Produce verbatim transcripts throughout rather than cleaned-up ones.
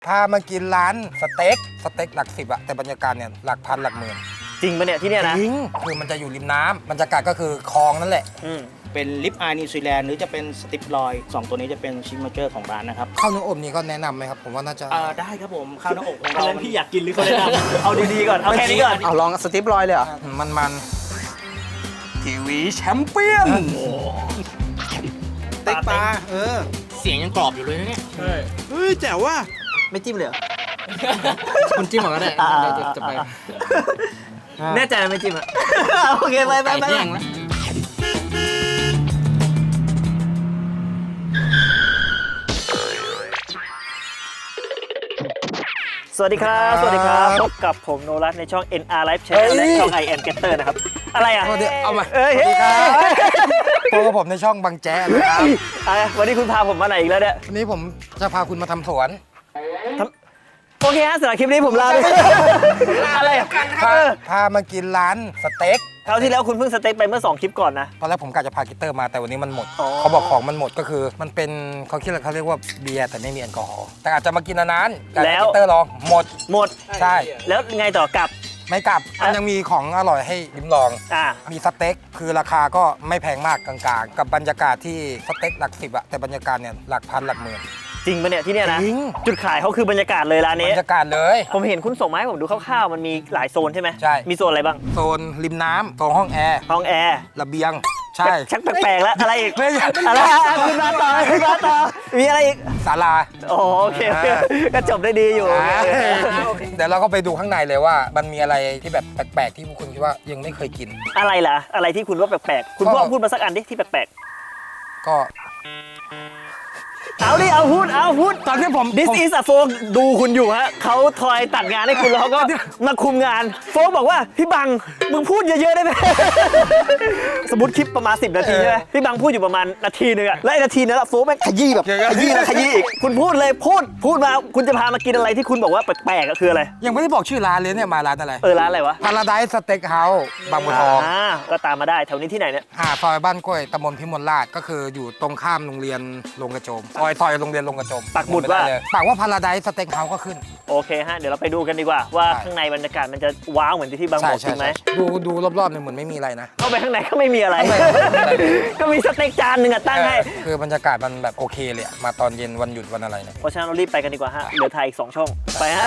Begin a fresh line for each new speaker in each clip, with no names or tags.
พามากินร้านสเต็กสเต็กหลักสิบอะแต่บรรยากาศเนี่ยหลักพันหลักหมื่น
จริงปะเนี่ยที่เนี่ยนะ
จริงคือมันจะอยู่ริมน้ำบรรยากาศก็คือคลองนั่นแหละ
เป็นลิปอายนิวซีแลนด์หรือจะเป็นสติปลอยสองตัวนี้จะเป็นชิมเจอร์ของร้านนะครับ
ข้าวเนื้ออบนี่ก็แนะนำไหมครับผมว่าน่าจะ
อ่าได้ครับผมข้าวหน้าอกของเรา
พี่อยากกินหรือเขาแนะนำเอาดีๆก่อนเอาแค่นี้ก่อน
เอาลองสติปลอยเลยเหรอ
มันมันทีวีแชมเปี้ยน
เต็กปลาเออ
เสียงยังกรอบอยู่เลยนะเนี่ย
เฮ้ยแจ๋วว่ะ
ไม่จิ้มเลยเหรอ
คุณจิ้มก็ได้จะไป
แน่ใจไม่จิ้มอ่ะโอเคไปไปไปสวัสดีครับสวัสดีครับพบกับผมโนรัตในช่อง เอ็น อาร์ Live Channel และช่อง I Am Getter นะครับอะไรอ่ะ
เอามาสวัสดีครับพบกับผมในช่องบางแจ๊นะครับ
วันนี้คุณพาผมมาไหนอีกแล้วเนี่ย
วันนี้ผมจะพาคุณมาทำสวน
โอเคฮะสำหรับคลิปนี้ผมลาไปอะไรอ่ะ
พามากินร้านสเต็ก
คราวที่แล้วคุณเพิ่งสเต็กไปเมื่อสองคลิปก่อนนะ
ตอนแรกผมกะจะพากิตเตอร์มาแต่วันนี้มันหมดเขาบอกของมันหมดก็คือมันเป็นเขาคิดว่าเขาเรียกว่าเบียร์แต่ไม่มีแอลกอฮอล์แต่อาจจะมากินนานๆแล้วกิตเตอร์ลองหมด
หมด
ใช่
แล้วไงต่อกลับ
ไม่กลับมันยังมีของอร่อยให้ลิ้มลองมีสเต็กคือราคาก็ไม่แพงมากกลางๆกับบรรยากาศที่สเต็กหลักสิบอะแต่บรรยากาศเนี่ยหลักพันหลักหมื่น
จริงปะเนี่ยที่เนี่ยนะจุดขายเขาคือบรรยากาศเลยร้านนี้
บรรยากาศเลย
ผมเห็นคุณส่งมาให้ผมดูคร่าวๆมันมีหลายโซนใช่ไหม
ใช่
มีโซนอะไรบ้าง
โซนริมน้ำโซนห้องแอร์
ห้องแอร์
ระเบียงใช่
ชักแปลกๆแล้วอะไรอีกอะไรคุณมาต่อคุณมาต่อมีอะไรอีก
ศาลา
โอเคก็จบได้ดีอยู่
เดี๋ยวเราก็ไปดูข้างในเลยว่ามันมีอะไรที่แบบแปลกๆที่พวกคุณคิดว่ายังไม่เคยกิน
อะไรล่ะอะไรที่คุณว่าแปลกๆคุณพ่อพูดมาสักอันดิที่แปลก
ๆก็
เอาดิเอาพูดเอาพูด
ตอนที่ผม
This is a โฟกดูคุณอยู่ฮะเขาทอยตัดงานให้คุณแล้วก็มาคุมงานโฟกบอกว่าพี่บังมึงพูดเยอะๆได้ไหมสมมติคลิปประมาณสิบนาทีใช่ไหมพี่บังพูดอยู่ประมาณนาทีนึงอะแล้วนาทีนั้นโฟกแม่งขยี้แบบขยี้แล้วขยี้อีกคุณพูดเลยพูดพูดมาคุณจะพามากินอะไรที่คุณบอกว่าแปลกๆก็คืออะไร
ยังไม่ได้บอกชื่อร้านเลยเนี่ยมาร้านอะไร
เออร้านอะไรวะ
Paradise Steak House บางบัวทอง
ก็ตามมาได้แถวนี้ที่ไหนเนี่ย
หาซอยบ้านกล้วยตำบลพิมลราชก็คืออยู่ตรงข้ามโรงเรียนโรงกระโจมซอยซอยโรงเรียนโรงกระโจม
ปักหมุดว่า
ปักว่า Paradise Steak House ก็ขึ้น
โอเคฮะเดี๋ยวเราไปดูกันดีกว่าว่าข้างในบรรยากาศมันจะว้าวเหมือนที่บางบอกจริงไหม
ดูดูรอบๆเนี่ยเหมือนไม่มีอะไรนะ
เข้าไปข้างในก็ไม่มีอะไรก็มีสเต็กจานหนึ่งอะตั้งให้
คือบรรยากาศมันแบบโอเคเลยมาตอนเย็นวันหยุดวันอะไรเนี่ย
เพราะฉะนั้นเรารีบไปกันดีกว่าฮะเหลือถ่ายอีกสองช่องไปฮะ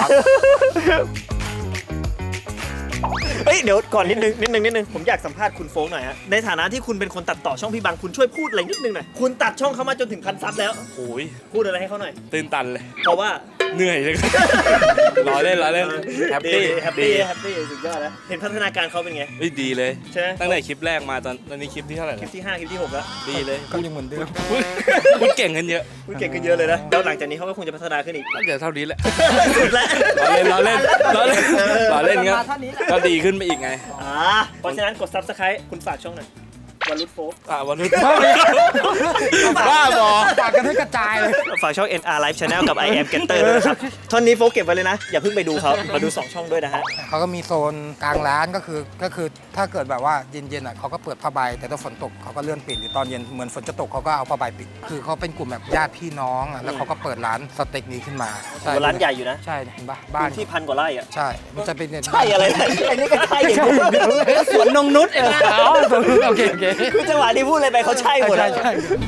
เฮ้ยเดี๋ยวก่อนนิดนึงนิดนึงนิดนึงผมอยากสัมภาษณ์คุณโฟกหน่อยฮะในฐานะที่คุณเป็นคนตัดต่อช่องพี่บังคุณช่วยพูดอะไรนิดนึงหน่อยคุณตัดช่องเขามาจนถึงพันซับแล้ว
โอ้ย
พูดอะไรให้เขาหน่อย
ตื่นตันเลย
เพราะว่า
เหนื่อยเลยรอเล่นรอเล่นแฮปปี้
แฮปปี้แฮปปี้สุดยอดนะเห็นพัฒนาการเขาเป็นไง
ดีเลย
ใช่ไหม
ตั้งแต่คลิปแรกมาตอนตอนนี้คลิปที่เท่าไหร่
คลิปที่ห้าคลิปที่หกแล้ว
ดีเลย
ก็ยังเหมือนเดิม
พูดเก่งขึ้นเยอะ
พูดเก่งขึ้นเยอะเลยนะแล้วหลังจากนี้เขาก็คงจะพัฒนาขึ้นอีก
น่าจะเท่านี้แหละ
สุดแล้ว
รอเล่นรอเล่นรอเล่นรอเล่นครับก็ดีขึ้นไปอีกไง
อ่าเพราะฉะนั้นกด ซับสไครบ์ คุณฝากช่องหน่อยวันรุดโฟก
อ่าวันรุดบ้าบอ
ฝากกันให้กระจายเลย
ฝากช่อง เอ็น อาร์ Live Channel กับ I Am Getter ด้วยนะครับท่อนนี้โฟกเก็บไว้เลยนะอย่าเพิ่งไปดูเขามาดูสองช่องด้วยนะฮะ
เขาก็มีโซนกลางร้านก็คือก็คือถ้าเกิดแบบว่าเย็นๆอ่ะเขาก็เปิดผ้าใบแต่ถ้าฝนตกเขาก็เลื่อนปิดหรือตอนเย็นเหมือนฝนจะตกเขาก็เอาผ้าใบปิดคือเขาเป็นกลุ่มแบบญาติพี่น้องอ่ะแล้วเขาก็เปิดร้านสเต็กนี้ขึ้นมา
ร้านใหญ่อยู่นะ
ใช่เห็นปะบ้าน
ที่พันกว่าไร่อ่ะ
ใช่มันจะเป็น
ใช่อะไรไอ้นี่ก็ใช่อย่าง
นี้สวนนงนุชเองอ๋อโอเคโอเค
คือจังหวะที่พูดอะไรไปเขาใช่หมด
ใช่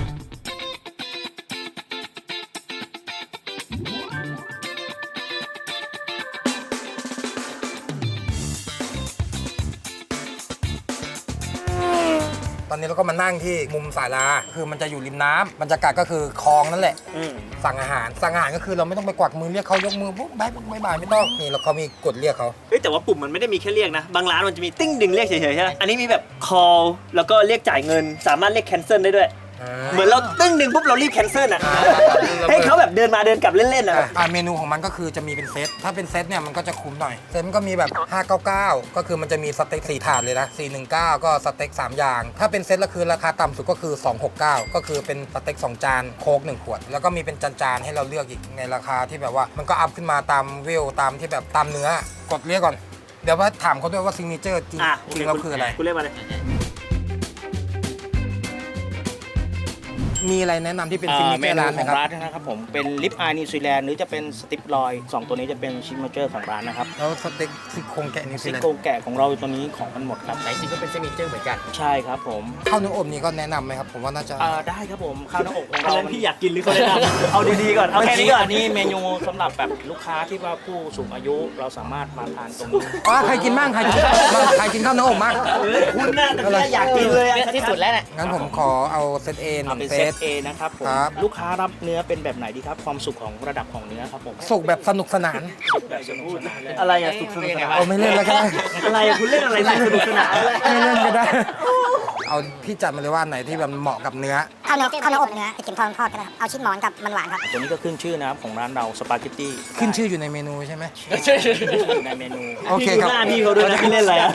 ตอนนี้เราก็มานั่งที่มุมศาลาคือมันจะอยู่ริมน้ำบรรยากาศก็คือคลองนั่นแหละสั่งอาหารสั่งอาหารก็คือเราไม่ต้องไปกวักมือเรียกเขายกมือปุ๊บบ๊ายบายบายไม่ต้องนี่เราเขามีกดเรียกเขา
เฮ้ยแต่ว่าปุ่มมันไม่ได้มีแค่เรียกนะบางร้านมันจะมีติ้งดึงเรียกเฉยๆใช่ไหมอันนี้มีแบบ call แล้วก็เรียกจ่ายเงินสามารถเรียก cancel ได้ด้วยเหมือนเราตึ้งหนึ่งปุ๊บเรารีบแคนเซิลอ่ะให้เขาแบบเดินมาเดินกลับเล่นๆอ่ะ
เมนูของมันก็คือจะมีเป็นเซตถ้าเป็นเซตเนี่ยมันก็จะคุ้มหน่อยเซตมันก็มีแบบห้าเก้าเก้าก็คือมันจะมีสเต็กสี่ถาดเลยนะสี่หนึ่งเก้าก็สเต็กสามอย่างถ้าเป็นเซตละคือราคาต่ำสุดก็คือสองหกเก้าก็คือเป็นสเต็กสองจานโค้กหนึ่งขวดแล้วก็มีเป็นจานๆให้เราเลือกอีกในราคาที่แบบว่ามันก็อัพขึ้นมาตามเวลตามที่แบบตามเนื้อกดเรียกก่อนเดี๋ยวว่าถามเขาด้วยว่าซิงเกิลจริงจริงแล้วคืออะไร
คุณเรียกมาเลย
มมีอะไรแนะนำที่เป็น
อ่า
ซิกเน
เม
เจอร์
นู
ร้านไห
ข
ม
อง
ครับ
ร้านนะครับผมเป็นลิปอายนิวซีแลนด์หรือจะเป็นสติปลอยสองตัวนี้จะเป็นชิมเจอร์ของร้านนะครับ
แล้วสเต็กซี่โครงแกะนิวซี
ซิ
แลน
โก
ด์
แกะของเราตัวนี้ของมันหมดครับ
ไหนจริงก็เป็นซิกเนเจอร์เหมือนกัน
ใช่ครับผม
ข้าวเนื้ออบนี่ก็แนะนำไหมครับ ผมว่าน่าจะ
อ่าได้ครับผมข้าวหน้าอกของ
อัน
เรา
นั้นพี่อยากกินหรือเขาแนะนำเอาดีๆก่อน เอาแค่นี้ก่อน
อันนี้เมนูสำหรับแบบลูกค้าที่ว่าผู้สูงอายุเราสามารถมาทานตรงนี้
อ๋อใครกินบ้างใครกินใครกินข้าวเนื้ออบบ้าง
คุณน่าจะอยากกินเลยอะ
ที่สุดแล้วแหละ
งั้นผมขอเอาเซตเอห
เอา
นึ่ง
เป็น
เซ
เซ
ต
ต A นะครับผม
ครับ
ลูกค้ารับเนื้อเป็นแบบไหนดีครับความสุขของระดับของเนื้อครับผม
สุกแบบสนุกสนาน
แบบสนุกสนานเลย
อะไรอะสุขสนุกสนาน
เอาไม่เล่นแล้วก็ได้
อะไรอะคุณเล่นอะไรสนุกสนานเลย
ไม่เล่นก็ได้ เอาพี่จัดมาเลยว่าไหนที่แบบเหมาะกับเนื้อ
ข้าวเนื้อข้าวเนื้ออบเนื้อไปกินทอดทอดกันนะครับเอาชิ้นหมอนกับมันหวานครับ
ตัวนี้ก็ขึ้นชื่อนะครับของร้านเราสปาเกตตี้
ขึ้นชื่ออยู่ในเมนูใช่ไหม
ในเมนู
โอเคครับ
หน้าพี่เขาด้วยนะพี่เล่นอะไรอะ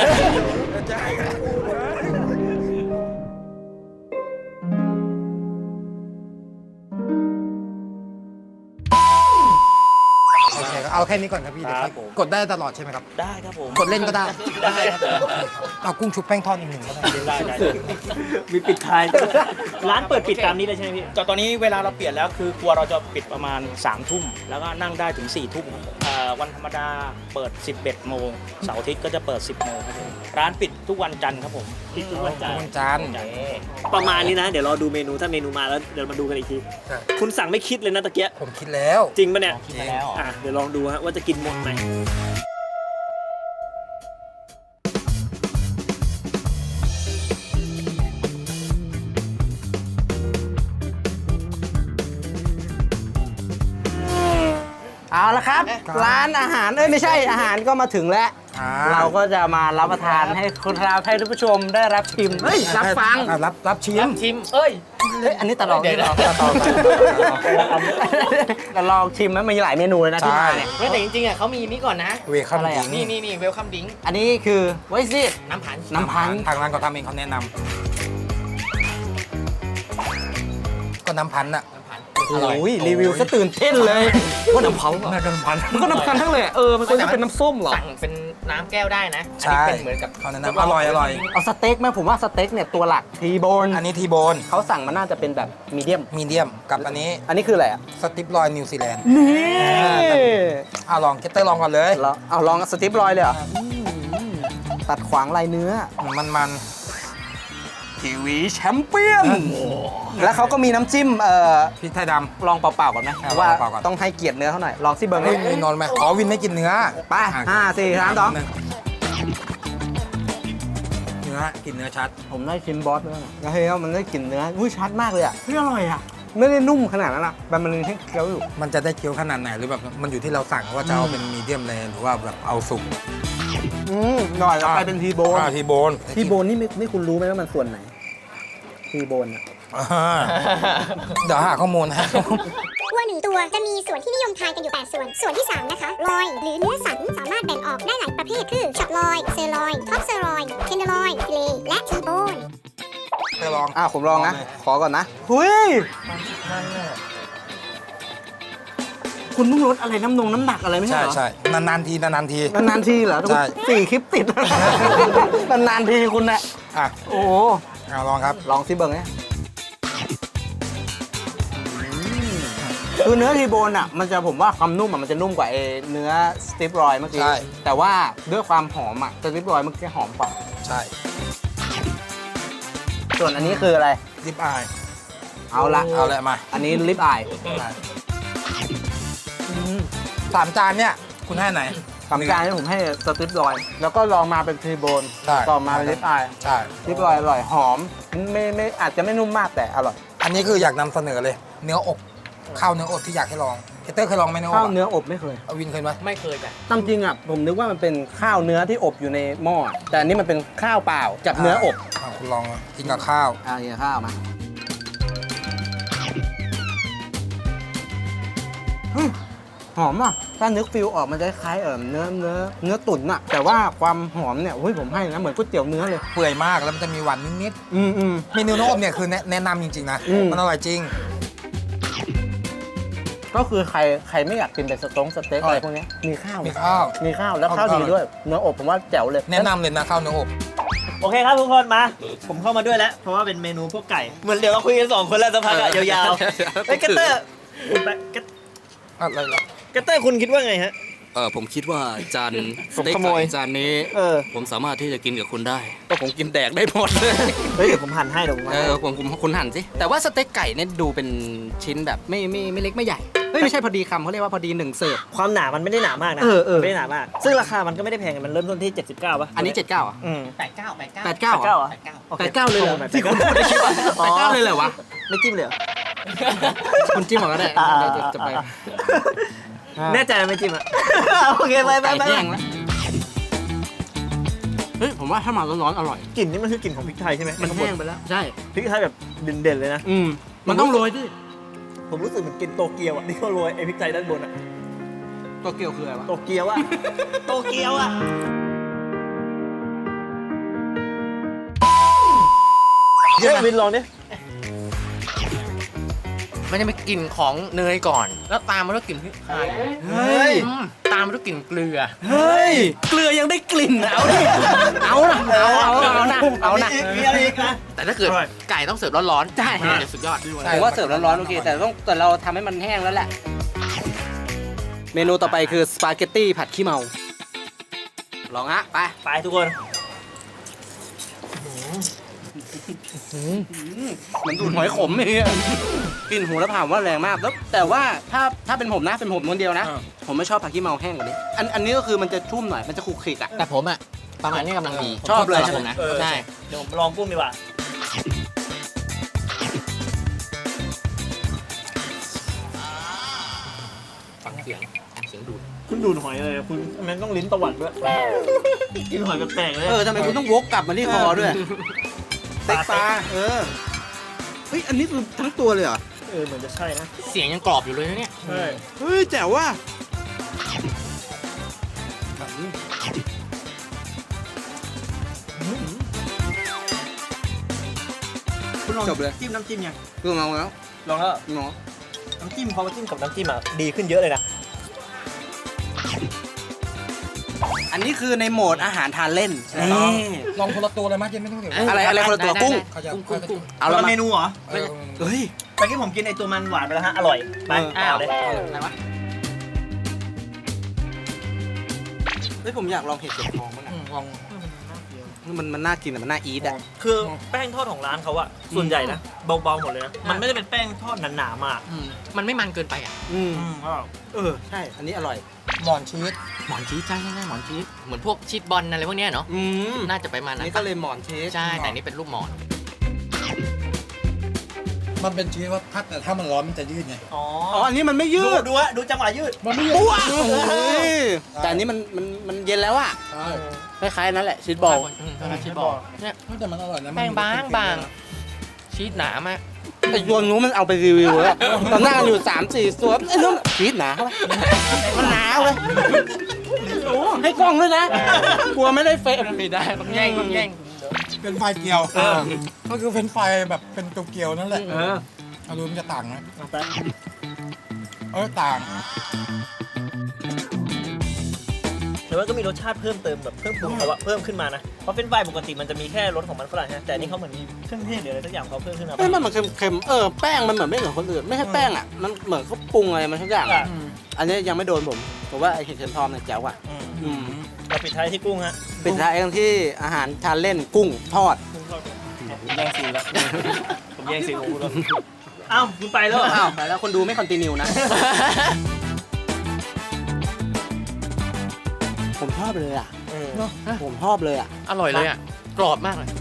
โอเคครับเอาแค่นี้ก่อนครับพี่เดี๋ยวค่อยกดได้ตลอดใช่ไหมครับ
ได้ครับผม
กดเล่นก็ได้
ได้ครับผม
เอากุ้งชุบแป้งทอดอีกหนึ่งก็ได้
ได้ได้
มีปิดท้ายร้านเปิดปิดตามนี้เลยใช่ไหมพี่
แต่ตอนนี้เวลาเราเปลี่ยนแล้วคือครัวเราจะปิดประมาณ3ามทุ่มแล้วก็นั่งได้ถึง4ี่ทุ่มครับผมอ่าวันธรรมดาเปิด สิบเอ็ดโมงเสาร์อาทิตย์ก็จะเปิด สิบโมงครับผมร้านปิดทุกวันจันทร์ครับผม
ปิดทุกวันจันทร์
วันจันทร์
ประมาณนี้นะ เดี๋ยวรอดูเมนูถ้าเมนูมาแล้วเดี๋ยวมาดูกันอีกที
ใช่
คุณสั่งไม่คิดเลยนะตะเกียะ
ผมคิดแล้ว
จริงปะเนี่ย
คิดมาแล้ว
อ่ะเดี๋ยวลองดูฮะว่าจะกินหมดไหม
เอาละครับ ร้านอาหาร เอ้ย ไม่ใช่อาหารก็มาถึงแล้ว
อ่
เราก็จะมารับประทานให้คุณเราให้ท่านผู้ชมได้รับชิม เฮ้ย รับฟัง
อ่ะรับรับชิม
ชิม เอ้ย
เฮ้ย อันนี้ตลอด
เดี๋ยว
นี่ตลอดแต่ลองชิมมันมีหลายเมนูเลยนะที่มาเนี่ย
เว้ยแต่จริงๆอ่ะเขามีนี่ก่อนนะ
เวคัม
อะไร
ดิ
อ่ะ
ง
นี่นี่นี่เวลคัมดิ้ง
อันนี้คือไวซิ
น้ำผัน
น้ำพันธุ์
ทางร้านเขาทำเองเขาแนะนำก็น้ำพันธุ์อะอร่อย
โอ้ยรีวิวซะตื่นเต้นเลยว่าน้ำเผา
น่าจะน้ำพันธุ์
มันก็น้ำพันทั้งเลยเออ มันก็จะเป็นน้ำส้มเหรอ
สั่งเป็นน้ำแก้วได้นะ
ใช่
อันนี้เป็นเหมือนกับ
เขาแนะนำอร่อยอร่อย
เอาสเต็กไหมผมว่าสเต็กเนี่ยตัวหลักทีโบน
อันนี้ทีโบน
เขาสั่งมันน่าจะเป็นแบบมีเดียม
มีเดียมกับอันนี้
อันนี้คืออะไรอ่ะ
สติปลอยนิวซีแลนด์
นี่
อ่ะลองเกตเตอร์ลองก่อนเลย
แล้วเอาลองสติปรอยเลยเหรอตัดขวางลายเนื้อ
มันมัน
ทีวีแชมเปี้ยน แล้วเขาก็มีน้ำจิ้มเอ่อ
พริกไทยด
ลองเปล่าๆก่อนไหม
เอา
ว่า
เปล่าๆก่อน
ต้องให้เกียรติเนื้อเขาหน่อย ลองซิเบิร์
ำ
ง
เฮ้ยมีนอนไหมอ๋อวินไม่กินเนื้อ
ไป
อ่ะ
ห้าสี่สามสอง
หนึ่เนื้อกินเนื้อชัด
ผมได้ชิมบอสด้วยนะแล้วเฮ้ยมันได้กลิ่นเนื้ออุ้ยชัดมากเลยอ่ะเฮ้ยอร่อยอ่ะ ไม่ได้นุ่มขนาดนั้นนะแต่มันให้เคี้ยวอยู่
มันจะได้เคี้ยวขนาดไหนหรือแบบมันอยู่ที่เราสั่งว่าจะเอาเป็นมีเดียมเลยหรือว่าแบบเอาสุก
อืมหน่อยแล้วไปเป็นทีโบน
อ่าทีโบน
ทีโบนนี่ไม่ไม่คุณรู้ไหมว่ามันส่วนไหน ทีโบนอ่ะ
อ่าเดี๋ยวหาข้อมูลนะ
วัวหนึ่งตัวจะมีส่วนที่นิยมทานกันอยู่แปดส่วน ส่วนที่สามนะคะ ลอย หรือเนื้อสันสามารถแบ่งออกได้หลายประเภท คือช็อตลอย เซอร์ลอย ท็อปเซอร์ลอย เทนเดอร์ลอย ฟิเลต์และทีโบน
ไปลอง
อ่ะผมลองนะ ขอก่อนนะหุยคุณต้องลดอะไรน้ำนงน้ำหนักอะไรไม่ใช่
ใช่
เหรอ
ใช่นานๆทีนานๆที
นานๆทีเหรอ
ใช่
สี่คลิปติด นานๆทีคุณนะ
อ่ะ
โอ้โห
เอาลองครับ
ลองซิเบิร์งเนี่ยคือเนื้อทีโบนอ่ะ มันจะผมว่าความนุ่มอ่ะมันจะนุ่มกว่าไอ้เนื้อสติปรอยเมื่อกี้
ใช่
แต่ว่าด้วยความหอมอ่ะสติปรอยเมื่อกี้หอมกว่า
ใช่
ส่วนอันนี้คืออะไร
ลิปอาย
เอาละ
เอาเลยมา
อันนี้ลิปอาย
สามจานเนี่ยคุณให้ไหน
สามจานที่ผมให้สติปรอย แล้วก็ลองมาเป็นทีโบน
ใช่
ต่อมาเป็นลิปอาย
ใช่
ลิปอายอร่อยหอมไม่ไม่อาจจะไม่นุ่มมากแต่อร่อย
อันนี้คืออยากนำเสนอเลย เนื้ออบข้าวเนื้ออบที่อยากให้ลองเกเตอร์เคยลองไหมเนื้ออบ
ข้าว
อะ
เนื้ออบไม่เคย
เอาวินเคยไหม
ไม่เคยจ้ะ
ตามจริงอ่ะผมนึกว่ามันเป็นข้าวเนื้อที่อบอยู่ในหม้อแต่อันนี้มันเป็นข้าวเปล่ากับเนื้ออบ
อ่ะคุณลองกินกับข้าว
อ่าเนี่ยข้าวมาอืมหอมอ่ะถ้านึกฟิลออกมันจะคล้ายๆเออเนื้อเนื้อเนื้อตุ๋นอ่ะแต่ว่าความหอมเนี่ยเฮ้ยผมให้นะเหมือนก๋วยเตี๋ยวเนื้อเลย
เปื่อยมากแล้วมันจะมีหวานนิด
อืมอืม
ๆเมนูเนื้ออบเนี่ยคือแนะแนะนำจริงๆนะ
อืม
มันอร่อยจริง
ก็คือใครใครไม่อยากกินเป็นสต๊งสเต็กอะไรพวกเนี้ยมีข้าว
มีข้าว
มีข้าวแล้วข้าว
ข้าว
ดีด้วยเนื้ออบผมว่าแจ๋วเลย
แนะนำเลยนะข้าวเนื้ออบ
โอเคครับทุกคนมา ผมเข้ามาด้วยแล้ว เพราะว่าเป็นเมนูพวกไก่ เหมือนเดี๋ยวเราคุยกันสองคนแล้วสักพักอะยาวๆเฮ้ยกัตเตอร์คุณไปกัต
อะไรเหรอ
กัตเตอร์คุณคิดว่าไงฮะ
เออผมคิดว่าจานส
ผม
เต็ก
ขโมย
ไก่จานนี้
เออ
ผมสามารถที่จะกินกับคุณได้ก็ผมกินแดกได้หมดเลย
เฮ้ยเดี๋ยวผมหั่นให้เดี๋ยวผมหั่
เอน
ให้
อผมผมคุณหั่นสิแต่ว่าสเต็กไก่เนี่ยดูเป็นชิ้นแบบไม่ไม่ไม่เล็กไม่ใหญ่เฮ้ยไม่ใช่พอดีคำเขาเรียกว่าพอดีหนึ่งเสิร์ฟ
ความหนามันไม่ได้หนามากนะ
เออเออ
ไม่ได้หนามาก ซึ่งราคามันก็ไม่ได้แพงมันเริ่มต้นที่เจ็ดสิบเก้าป่ะ
อันนี้เจ็ดเก้าอ่ะ
อืม
แปดเก้าแปดเก้า
แปดเก้า
เก้าเหรอ
แปดเก้าเลยเหรอ
โอ้โห
ที่คุณพูดในคลิปอะ
อ๋อ
แปดเก้าเลยเหรอวะ
ไม่จิ้มเลยเหรอ
คุณจิ้มก่อนก็ได้
อ่า
เดี๋ยวจะจะไป
แน่ใจไม่จิ้มอ่ะ โอเคไปไป
ไก่
ไป
แห้งแล้วเฮ้ยผมว่าถ้ามาร้อนๆอร่อย
กลิ่นนี่มันคือกลิ่นของพริกไทยใช่ไหม
มันแห้งไปแล้วใช่
พริกไทยแบบเด่นๆเลยนะ
อืมมันต้องโรยดิ
ผมรู้สึกเหมือนกินโตเกียวอ่ะที่เขาโรยไอ้พริกไทยด้านบนอ่ะ
ตัวเกียวคืออะไรวะ
โตเกียวอ่ะ โตเกียวอ่ะ เฮ้ยวินลองดิ
มันจะมีกลิ่นของเนยก่อน แล้วตามมาด้วยกลิ่นพริกไทย
เฮ้ย
อืมตามมาด้วยกลิ่นเกลือ
เฮ้ยเกลือยังได้กลิ่นนะเอาดิเอานะเอาเอาเอานะเอานะ
มีอะไรอีกนะ
แต่ถ้าเกิด
อร่อย
ไก่ต้องเสิร์ฟร้อนๆ
ใช่
มันจะสุดยอด
ผมว่าเสิร์ฟร้อนๆโอเคแต่ต้องแต่เราทำให้มันแห้งแล้วแหละ เมนูต่อไปคือสปาเกตตี้ผัดขี้เมา ลองฮะไป
ไปทุกคน
เหมือนดูดหอยขมเลยกลิ่นหูแล้วผ่านว่าแรงมากแล้วแต่ว่าถ้าถ้าเป็นผมนะเป็นผมคนเดียวนะ ผมไม่ชอบผัดขี้เมาแห้งกว่านี้อันอันนี้ก็คือมันจะชุ่มหน่อยมันจะคลุกคลิกอ่ะ
แต่ผมอะประมาณนี้กำลังดี
ชอบเลย
สำหรับผมนะ
เออ
ใช่
เดี๋ยวผมลองกุ้งดีกว่า
ฟังเสียงเสียงดูด
คุณดูดหอยเลยคุณมันต้องลิ้นตวัดด้วย กินหอยแปลกๆเลย
เออทำไมคุณต้องวกกลับมาที่คอด้วยเต็กปลาเออเฮ้ยอันนี้คือทั้งตัวเลยเหรอ
เออเหมือนจะใช่นะ
เสียงยังกรอบอยู่เลยนะเนี่ย
ใช่
เฮ้ยแจ๋วว่ะ
คุณลอง
จบเลย
จิ้มน้ำจิ้มยัง
คือเมาแล้ว
ลองแล้ว
เนาะ
น้ำจิ้มพอมาจิ้มกับน้ำจิ้มอ่ะดีขึ้นเยอะเลยนะ
อันนี้คือในโหมดอาหารทานเล่น
นี่
นี่
ลองคนละตัวเลยมั้ยเจนไม่ต้องเดี๋ยว
อะไรอะไรคนละตัวกุ้ง
ขยับ
กุ้งกุ้งกุ้ง
เอา
คน
ละ
ละ
มา
เมนูเหรอ
เออ
เฮ้ย
เมื่อกี้ผมกินไอตัวมันหวานไปแล้วฮะ อร่อย ไป
เออ
ต่อเลย
อะไรวะ
เฮ้ยผมอยากลองเห็ดเข็มทองบ้าง
อื
อะ
มลอง
มันมันน่ากินอะมันน่าอีทอะ
คือแป้งทอดของร้านเขาอะส่วนใหญ่นะ เบาๆหมดเลยนะ มันไม่ได้เป็นแป้งทอดหนาๆมาก
อืมมันไม่มันเกินไปอ่ะ
อืม
อืม
เออใช่ อันนี้อร่อย
หมอนชีส
หมอนชีสใช่ใช่ใช่หมอนชีสเหมือนพวกชีสบอลอะไรพวกเนี้ยเนาะ
อืม
น่าจะไปมา
อัน
นั้น
นี้ก็เลยหมอนเชส
ใช่แต่อันนี่เป็นรูปหมอน
มันเป็นชีสว่าถ้าแต่ถ้ามันร้อนมันจะยืดไง
อ๋อ
อ๋อ อันนี้มันไม่ยื
ดู
ด
ดูอะดูจังหวะยืด
มันไม่ยืด
ปุ๊ะเฮ้ยแต่อันนี้มันมันมันเย็นแล้วอะ
ใช่
คล้ายๆนั่นแหละชีสบอล
อืมชีสบอลเนี่ย
แต่มันอร่อยนะ
แป้งบางบางชีสหนามาก
ไอ้ตัวนู้นมันเอาไปรีวิวแล้วตอนนั่งกันอยู่สามสี่ตัวไอ้นู้นชีสหนาเข้าไปมันหนาเลยโอ้ให้กล้องด้วยนะ กลัวไม่ได้เฟรม
ไม่ได้ต้องแย่งต้องแย่ง
เป็นไฟเกียวก็คือเป็นไฟแบบเป็นเกียวๆนั่นแหละ
เออ
เอาดูมันจะต่างนะ
เอาไป
เออต่าง
แต่ว่าก็มีรสชาติเพิ่มเติมแบบเพิ่มปรุงเขาว่าเพิ่มขึ้นมานะ เพราะเฟรนช์ฟรายปกติมันจะมีแค่รสของมันฝรั่งนะแต่อันนี่เขาเหมือนมีเครื่องเทศหรืออะไรสักอย่างเขาเพิ่มขึ้นมา
เฮ้ยมันเหมือนเค็มๆ เออ แป้งมันเหมือนไม่เหมือนคนอื่น ไม่ใช่แป้งอ่ะ มันเหมือนเขาปรุงอะไรมาทุกอย่าง
อ่ะ
อะอันนี้ยังไม่โดนผมผมว่าไอ้เห็ดเข็มทองเนี่ยแจ๋วอ่ะ
อืม
อืม
เราปิดท้ายที่กุ้งฮะ
ปิดท้ายกันที่อาหารทานเล่นกุ้งทอด
กุ้งทอดผมแย่งซีนแล้ว ผมแย่งซีนของคุณแล้วอ้าวคุณไปแล้วเหรอ
อ้าวไปแล้วคนดูไม่คอนติเนียนะ ผมชอบเลยอ่ะ
เออ
ผมชอบเลยอ่ะ
อร่อยเลยอ่ะกรอบมากเลย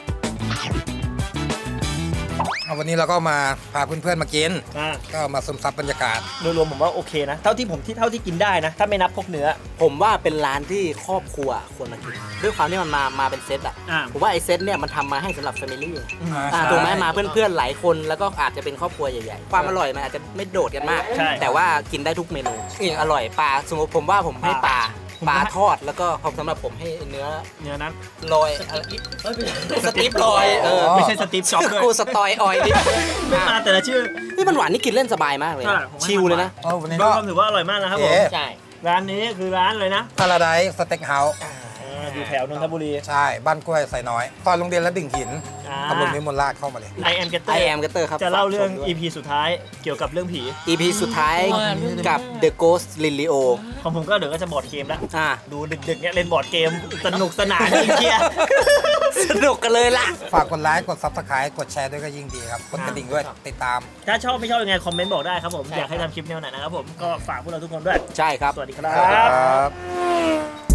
เอาวันนี้เราก็มาพาเพื่อนๆมากิน
อ่า
ก็มาซึมซับบรรยากาศ
โดยรวมผมว่าโอเคนะ เท่าที่ผมที่เท่าที่กินได้นะ ถ้าไม่นับพวกเนื้อ
ผมว่าเป็นร้านที่ครอบครัวควรมากิน ด้วยความที่มันมามาเป็นเซตอ่ะ
อ่า
ผมว่าไอ้เซตเนี่ยมันทำมาให้สำหรับแฟมิลี่
อ่า
อ่าถูกไหมมาเพื่อนๆหลายคนแล้วก็อาจจะเป็นครอบครัวใหญ่ๆ ความอร่อยมันอาจจะไม่โดดกันมาก
ใช่
แต่ว่ากินได้ทุกเมนูนี่อร่อยปลาสมมติผมว่าผมให้ปลา
ผม
ปลา
ให้
ทอดแล้วก็ผมสำหรับผมให้เนื้อ
เนื้อนั้น
ลอยอะไรสติ๊ปลอยเออ
ไม่ใช่สตีฟจ็อบส์ด้วย
กูสตอยออยดิ
ไม่มาแต่ละชื่อ
นี่มันหวานนี่กินเล่นสบายมากเลย
ใช่
นะ
ผมว่า
ชิลเลยนะ
เออวันนี้
โด
ก็
ยรวมถือว่าอร่อยมากนะครับผม
เอ๊ะ
ใช่
ร้านนี้คือร้านเลยนะ
พาราไดซ์สเต็กเฮาส์
อ่าอยู่แถวนนทบุรี
ใช่ บ้านกล้วยไซน้อยซอยโรงเรียนและดิ่งหิน
อ่า
ตำบลวิมลราชเข้ามาเลย
I am Getter
ไอแอมกัตเตอร์ครับ
จะเล่าเรื่อง
ฝกชมด้วย
อี พี สุดท้ายเกี่ยวกับเรื่องผี
อี พี สุดท้ายกับ The Ghost Lilio
ของผมก็เดี๋ยวก็จะบอร์ดเกมแล้ว
อ่ะ
ดูดึกๆเนี่ยเล่นบอร์ดเกมสนุกสนานจริงเชียร์
สนุกกันเลยล่ะ
ฝากกดไลค์ กด Subscribe กดแชร์ด้วยก็ยิ่งดีครับ กดกระดิ่งด้วย ติดตาม
ถ้าชอบไม่ชอบยังไงคอมเมนต์บอกได้ครับผมอยากให้ทำคลิปแนวไหนนะครับผมก็ฝากพวกเราทุกคนด้วย
ใช่ครับ
สวัสดีครั
สวัสดี
บ
ครับ